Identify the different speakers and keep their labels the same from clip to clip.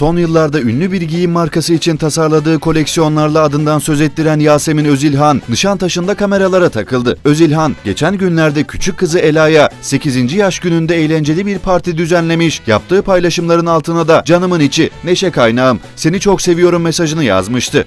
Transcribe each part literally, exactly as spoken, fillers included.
Speaker 1: Son yıllarda ünlü bir giyim markası için tasarladığı koleksiyonlarla adından söz ettiren Yasemin Özilhan, Nişantaşı'nda kameralara takıldı. Özilhan, geçen günlerde küçük kızı Ela'ya sekizinci yaş gününde eğlenceli bir parti düzenlemiş, yaptığı paylaşımların altına da "Canımın içi, neşe kaynağım, seni çok seviyorum" mesajını yazmıştı.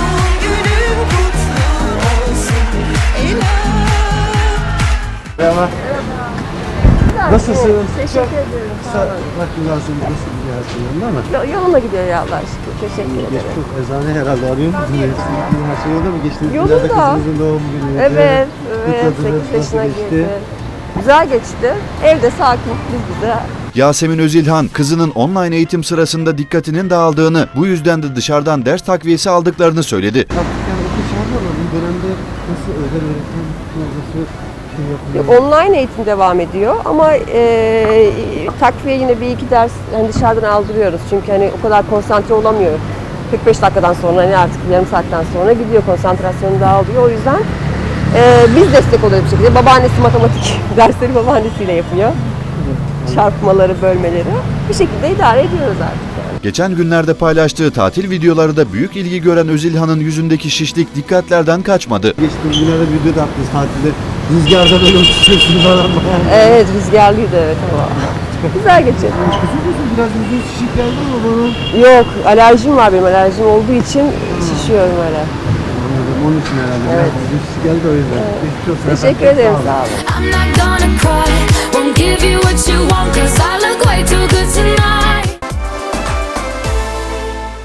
Speaker 2: Merhaba. Nasılsınız?
Speaker 3: Teşekkür ederim. Sağ olun.
Speaker 2: Bak güzelsin, nasıl gidiyor her şey yolunda mı?
Speaker 3: Yo- Yoluna gidiyor ya Allah'a şükür. Teşekkür ederim.
Speaker 2: Çok eczane herhalde arıyor musunuz? Her şey yolunda mı? Geçtiğimiz
Speaker 3: Yolunda.
Speaker 2: günlerde kızımızın doğum günüydü.
Speaker 3: Evet, evet.
Speaker 2: Kutladınız,
Speaker 3: sekiz yaşına
Speaker 2: nasıl geçti?
Speaker 3: girdi. Güzel geçti. Evde sakin, biz bize.
Speaker 1: Yasemin Özilhan, kızının online eğitim sırasında dikkatinin dağıldığını, bu yüzden de dışarıdan ders takviyesi aldıklarını söyledi.
Speaker 2: Artık yani okul çağırdı ama bu dönemde nasıl özel öğretim, nasıl şey yapılıyor?
Speaker 3: Online eğitim devam ediyor ama e, takviye yine bir iki ders hani dışarıdan aldırıyoruz. Çünkü hani o kadar konsantre olamıyor. kırk beş dakikadan sonra hani artık yarım saatten sonra gidiyor, konsantrasyonu dağılıyor. O yüzden e, biz destek oluyoruz bir şekilde. Babaannesi matematik dersleri babaannesiyle yapıyor. Çarpmaları, bölmeleri. Bir şekilde idare ediyoruz artık. Yani.
Speaker 1: Geçen günlerde paylaştığı tatil videoları da büyük ilgi gören Özilhan'ın yüzündeki şişlik dikkatlerden kaçmadı.
Speaker 2: Geçtiğimiz günlerde video da yaptınız tatilde. Rüzgarda böyle uçuşuyorsunuz falan.
Speaker 3: Evet, rüzgarlıydı evet ama. Güzel geçiyor.
Speaker 2: Biraz yüzünüz şişik geldi ama bana.
Speaker 3: Yok, alerjim var benim. Alerjim olduğu için şişiyorum öyle.
Speaker 2: Anladım, onun için herhalde.
Speaker 3: Evet.
Speaker 2: Biraz yüzünüz şişik geldi o yüzden. Geçmiş olsun
Speaker 3: Teşekkür
Speaker 2: efendim.
Speaker 3: ederim,
Speaker 2: Sağ olun.
Speaker 3: sağ olun.
Speaker 4: I'm not gonna cry, won't give you what you want, cause I look way too good to